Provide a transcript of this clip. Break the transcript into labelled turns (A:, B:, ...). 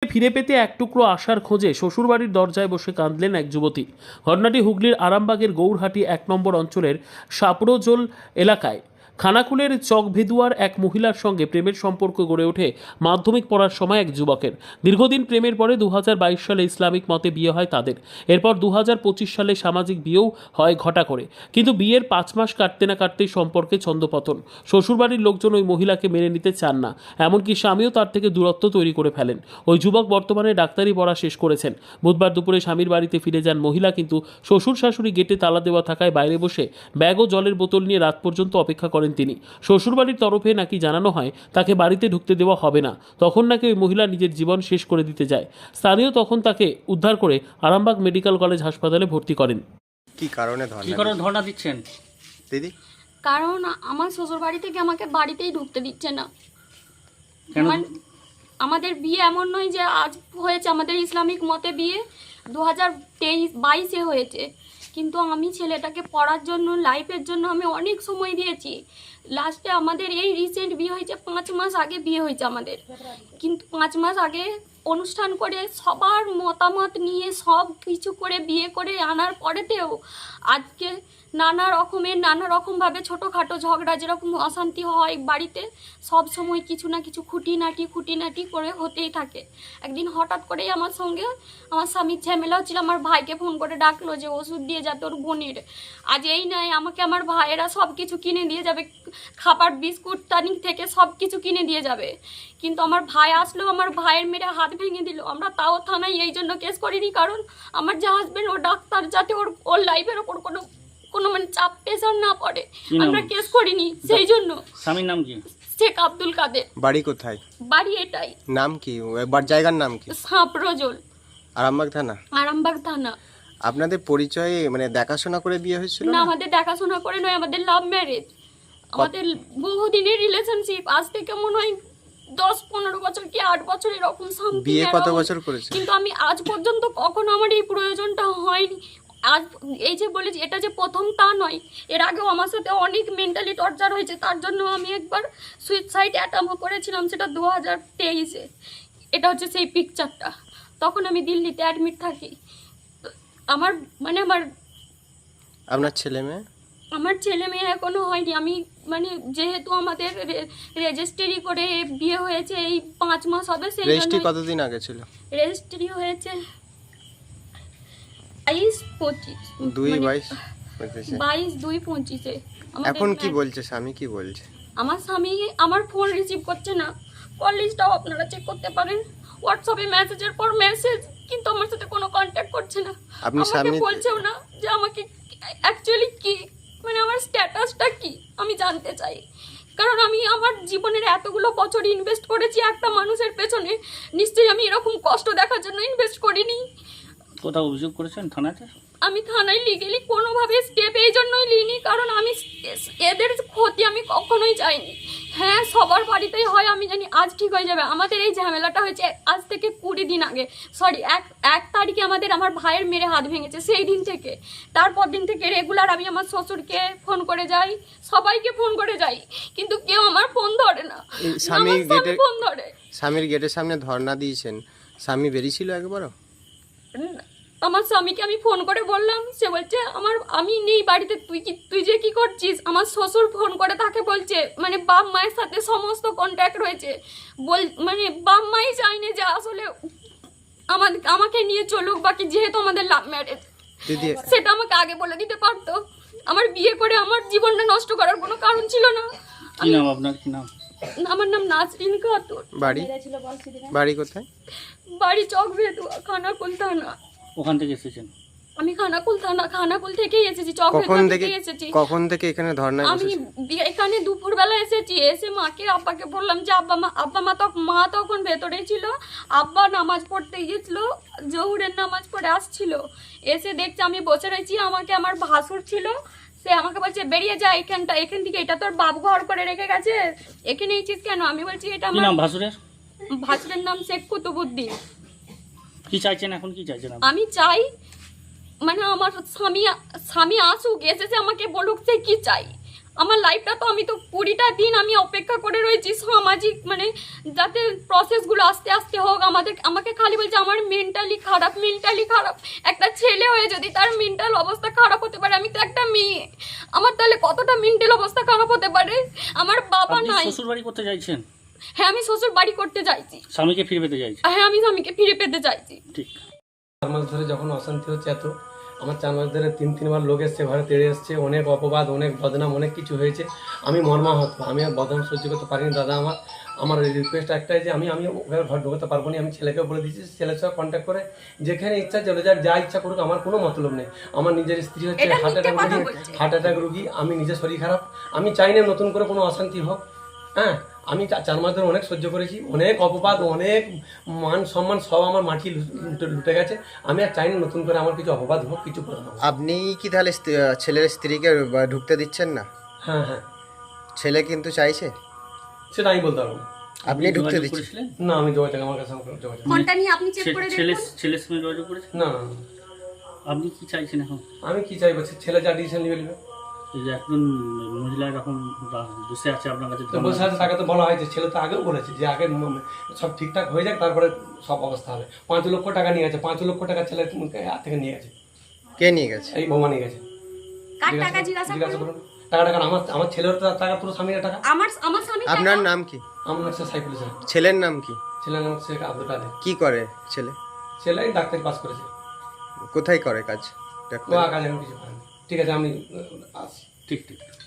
A: ফিরে পেতে এক টুকরো আশার খোঁজে শ্বশুরবাড়ির দরজায় বসে কাঁদলেন এক যুবতী। ঘটনাটি হুগলির আরামবাগের গৌরহাটি 1 নম্বর অঞ্চলের সাপরোজোল এলাকায়। খানাকুলের চকভেদুয়ার এক মহিলার সঙ্গে প্রেমের সম্পর্ক গড়ে ওঠে মাধ্যমিক পড়ার সময় এক যুবকের। দীর্ঘদিন প্রেমের পরে 2022 সালে ইসলামিক মতে বিয়ে হয় তাদের। এরপর 2025 সালে সামাজিক বিয়েও হয় ঘটা করে, কিন্তু বিয়ের 5 মাস কাটতে না কাটতেই সম্পর্কে ছন্দপতন। শ্বশুরবাড়ির লোকজন ওই মহিলাকে মেনে নিতে চান না, এমনকি স্বামীও তার থেকে দূরত্ব তৈরি করে ফেলেন। ওই যুবক বর্তমানে ডাক্তারি পড়া শেষ করেছেন। বুধবার দুপুরে স্বামীর বাড়িতে ফিরে যান মহিলা, কিন্তু শ্বশুর শাশুড়ি গেটে তালা দেওয়া থাকায় বাইরে বসে ব্যাগ ও জলের বোতল নিয়ে রাত পর্যন্ত অপেক্ষা করেন তিনি। শ্বশুরবাড়ির তরফে নাকি জানানো হয় তাকে বাড়িতে ঢুকতে দেওয়া হবে না, তখন নাকি ওই মহিলা নিজের জীবন শেষ করে দিতে যায়। স্থানীয় তখন তাকে উদ্ধার করে আরামবাগ মেডিকেল কলেজ হাসপাতালে ভর্তি করেন।
B: কি কারণে
C: ধর্ণা দিচ্ছেন
B: দিদি?
D: কারণ আমার শ্বশুর বাড়ি থেকে আমাকে বাড়িতেই ঢুকতে দিচ্ছে না।
C: কেন?
D: আমাদের বিয়ে এমন নয় যে আজ হয়েছে, আমাদের ইসলামিক মতে বিয়ে 2022-এ হয়েছে, কিন্তু আমি ছেলেটাকে পড়ার জন্য, লাইফের জন্য আমি অনেক সময় দিয়েছি। লাস্টে আমাদের এই রিসেন্ট বিয়ে হয়েছে, 5 মাস আগে বিয়ে হয়েছে আমাদের, কিন্তু 5 মাস আগে অনুষ্ঠান করে সবার মতামত নিয়ে সব কিছু করে বিয়ে করে আনার পরেতেও আজকে নানা রকমভাবে ছোটোখাটো ঝগড়া, যেরকম অশান্তি হয় বাড়িতে, সব সময় কিছু না কিছু খুঁটিনাটি করে হতেই থাকে। একদিন হঠাৎ করেই আমার সঙ্গে আমার স্বামীর ঝামেলা হচ্ছিল, আমার ভাইকে ফোন করে ডাকলো যে ওষুধ দিয়ে যা তোর বোনের। আজ এই নয়, আমাকে আমার ভাইয়েরা সব কিছু কিনে দিয়ে যাবে, খাবার বিস্কুট তানি থেকে সব কিছু কিনে দিয়ে যাবে, কিন্তু আমার ভাই আসলো, আমার ভাইয়ের মেরে হাত ভেঙে দিল। আমরা তাও থানায় এই জন্য কেস করিনি, কারণ আমার যে হাজবেন্ড ও ডাক্তার, যাতে ওর লাইফের ওপর কোনো মানে চাপ প্রেশার না পড়ে, আমরা কেস করিনি সেই জন্য।
C: স্বামীর নাম কি?
D: শেখ আব্দুল কাদের।
B: বাড়ি কোথায়?
D: বাড়ি এটাই।
B: নাম কি? একবার জায়গার নাম কি?
D: সাপরোজোল,
B: আরামবাগ থানা।
D: আরামবাগ থানা।
B: আপনাদের পরিচয় মানে দেখাশোনা করে বিয়ে হয়েছিল
D: না,
B: না?
D: আমাদের দেখাশোনা করে নয়, আমাদের লাভ ম্যারেজ। আমাদের বহুদিনের রিলেশনশিপ, আজ থেকে মনে হয় 10-15 বছর কি 8 বছর এরকম সামথিং।
B: বিয়ে কত বছর করেছে?
D: কিন্তু আমি আজ পর্যন্ত কখনো আমার এই প্রয়োজনটা হয়নি। আজ এই যে বলেছি এটা যে প্রথম তা নয়, এর আগেও আমার সাথে অনেক মেন্টালি টর্চার হয়েছে, তার জন্য আমি একবার সুইসাইড অ্যাটেম্প করেছিলাম, সেটা 2023-এ। এটা হচ্ছে সেই পিকচারটা। তখন আমি দিল্লিতে অ্যাডমিট থাকি।
B: আপনার ছেলে মেয়ে?
D: আমার ছেলে মেয়ে এখনো হয়নি। আমি যেহেতু আমাদের রেজিস্ট্রি করে বিয়ে হয়েছে, এই 5 মাস হবে, সেই
B: রেজিস্ট্রি কতদিন আগে ছিল?
D: রেজিস্ট্রি হয়েছে 22-25-এ।
B: এখন কি বলছে স্বামী? কি বলছে?
D: আমার স্বামী আমার ফোন রিসিভ করছে না। কল লিস্টটাও আপনারা চেক করতে পারেন, হোয়াটসঅ্যাপে মেসেজের পর মেসেজ, কিন্তু আমার সাথে কোনো কন্ট্যাক্ট করছে না।
B: আপনি
D: আমাকে বলছেও না যে আমাকে অ্যাকচুয়ালি কি, আমার স্ট্যাটাসটা কি আমি জানতে চাই, কারণ আমি আমার জীবনের এতগুলো বছর ইনভেস্ট করেছি একটা মানুষের পেছনে, নিশ্চয়ই আমি এরকম কষ্ট দেখার জন্য ইনভেস্ট করিনি।
C: কোথাও অভিযোগ করেছেন থানাতে?
D: আমি থানায় লিগেলি কোনোভাবে স্টেপ এই জন্যই নিইনি, কারণ আমি এদের ক্ষতি আমি কখনোই চাইনি। হ্যাঁ, সবার বাড়িতেই হয়, আমি জানি আজ ঠিক হয়ে যাবে। আমাদের এই ঝামেলাটা হয়েছে আজ থেকে 20 দিন আগে, সরি 1 তারিখে আমার ভাইয়ের মেরে হাত ভেঙেছে। সেই দিন থেকে, তারপর দিন থেকে রেগুলার আমি আমার শ্বশুরকে ফোন করে যাই, সবাইকে ফোন করে যাই, কিন্তু কেউ আমার ফোন ধরে না। ফোন ধরে।
B: স্বামীর গেটের সামনে ধর্ণা দিয়েছেন, স্বামী বেরিয়েছিল একবারও?
D: আমার স্বামীকে আমি ফোন করে বললাম, সে বলছে আমি নেই বাড়িতে, তুই যে কি করছিস। আমার শ্বশুর ফোন করে তাকে বলছে, বাপ মায়ের সাথে সমস্ত কন্ট্যাক্ট রয়েছে, বাপ মাই চাইনি যে আসলে আমাকে নিয়ে চলুক, বাকি যেহেতু আমাদের লাভ ম্যারেজ, সেটা আমাকে আগে বলে দিতে পারতো। আমার বিয়ে করে আমার জীবনটা নষ্ট করার কোনো কারণ ছিল না।
C: কি নাম আপনার? কি নাম?
D: আমার নাম নাজরিন খাতুন।
B: বাড়ি কোথায়?
D: বাড়ি চকভেদুয়া, খানাকুল থানা।
C: ওখান থেকে এসেছেন?
D: আমি খানাকুল থেকেই এসেছি, চকভেদুয়া থেকে এসেছি।
B: কখন থেকে এখানে ধর্ণা?
D: আমি এখানে দুপুরবেলা এসেছি, এসে মাকে আব্বাকে বললাম যে মা তখন ভেতরেই ছিল। আব্বা নামাজ পড়তে গিয়েছিল, জোহরের নামাজ পড়ে আসছিল, এসে দেখছে আমি বসে রয়েছি। আমাকে আমার ভাসুর ছিল, সে আমাকে বলছে বেরিয়ে যা এখান থেকে, এটা তোর বাপ ঘর করে রেখে গেছে, এখানে এইছিস কেন? আমি বলছি এটা আমার ভাসুরের নাম শেখ কুতুবুদ্দিন।
C: কি চাইছেন এখন? কি চাইছেন?
D: আমি চাই আমার স্বামী আসুক, এসেছে আমাকে বলুক সে কি চাই। আমার লাইফটা তো আমি তো 20টা দিন আমি অপেক্ষা করে রয়েছি সামাজিক মানে যাতে প্রসেসগুলো আস্তে আস্তে হোক। আমাকে খালি বলছে আমার মেন্টালি খারাপ। একটা ছেলে হয়ে যদি তার মেন্টাল অবস্থা খারাপ হতে পারে, আমি তো একটা মেয়ে, আমার তাহলে কতটা মেন্টাল অবস্থা খারাপ হতে পারে। আমার বাবা
C: আপনি
D: নাই।
C: শ্বশুর বাড়ি করতে চাইছেন?
D: হ্যাঁ, আমি শ্বশুর বাড়ি করতে চাইছি।
C: স্বামীকে ফিরে পেতে চাইছেন?
D: হ্যাঁ, আমি স্বামীকে ফিরে পেতে চাইছি।
C: ঠিক।
E: 4 মাস ধরে যখন অশান্তি হচ্ছে এত, আমার 4 মাস ধরে 3-3 লোক এসছে, ঘরে তেড়ে এসছে, অনেক অপবাদ, অনেক বদনাম, অনেক কিছু হয়েছে। আমি মর্মাহত, আমি আর বদনাম সহ্য করতে পারিনি দাদা। আমার রিকোয়েস্ট একটাই যে আমি ওখানে ঘর ঢোকাতে পারবো না। আমি ছেলেকেও বলে দিয়েছি, ছেলের সঙ্গে কন্ট্যাক্ট করে যেখানে ইচ্ছা চলে যাক, যা ইচ্ছা করুক, আমার কোনো মতলব নেই। আমার নিজের স্ত্রী হচ্ছে হার্ট অ্যাটাক রুগী, আমি নিজের শরীর খারাপ। আমি চাই না নতুন করে কোনো অশান্তি হোক। হ্যাঁ, আমি 4 মাস ধরে অনেক সহ্য করেছি, অনেক অপবাদ, অনেক মান সম্মান সব আমার মাটি লুটে গেছে। আমি আর চাই না নতুন করে আমার কিছু অপবাদ হোক, কিছু বদনাম হোক।
B: আপনি কি তাহলে ছেলের স্ত্রীকে ঢুকতে দিচ্ছেন না?
E: হ্যাঁ হ্যাঁ,
B: ছেলে কিন্তু চাইছে,
E: সেটা আমি বলতে পারবো না।
B: আপনি ঢুকতে
C: যোগাযোগ
B: দিচ্ছেন?
C: করেছিলেন?
E: না, আমি যোগাযোগ, আমার কাছে যোগাযোগ নেই।
D: ফোনটা নিয়ে আপনি চেক করে
C: ছেলের
D: দেখুন।
C: ছেলের সঙ্গে যোগাযোগ করেছেন?
E: না না না।
C: আপনি কি চাইছেন এখন?
E: আমি কি চাইবো, ছেলে যা ডিসিশন নিবে নেবে।
C: এই যে একজন মহিলা এরকম বসে আছে আপনার কাছে,
E: তো বসে আছে, তাকে তো বলা হয়েছে, ছেলে তো আগেও বলেছে যে আগে সব ঠিকঠাক হয়ে যাক, তারপরে সব অবস্থা হবে। 5 লক্ষ টাকা নিয়ে গেছে, 5 লক্ষ টাকা ছেলের হাত থেকে নিয়ে গেছে।
B: কে নিয়ে গেছে?
E: এই বৌমা নিয়ে গেছে।
D: কার টাকা জিজ্ঞাসা করুন।
E: করুন টাকাটা, কারণ আমার ছেলের তো টাকা, পুরো স্বামীর টাকা।
D: আমার স্বামী
B: আপনার নাম কি?
E: আমার হচ্ছে সাইফুল ইসলাম।
B: ছেলের নাম কি?
E: ছেলের নাম হচ্ছে আব্দুল আলী।
B: কি করে ছেলে?
E: ছেলে ডাক্তারি পাস করেছে।
B: কোথায় করে কাজ?
E: ও কাজ এখন কিছু করেনি। ঠিক আছে, আমি আসছি।
C: ঠিক ঠিক।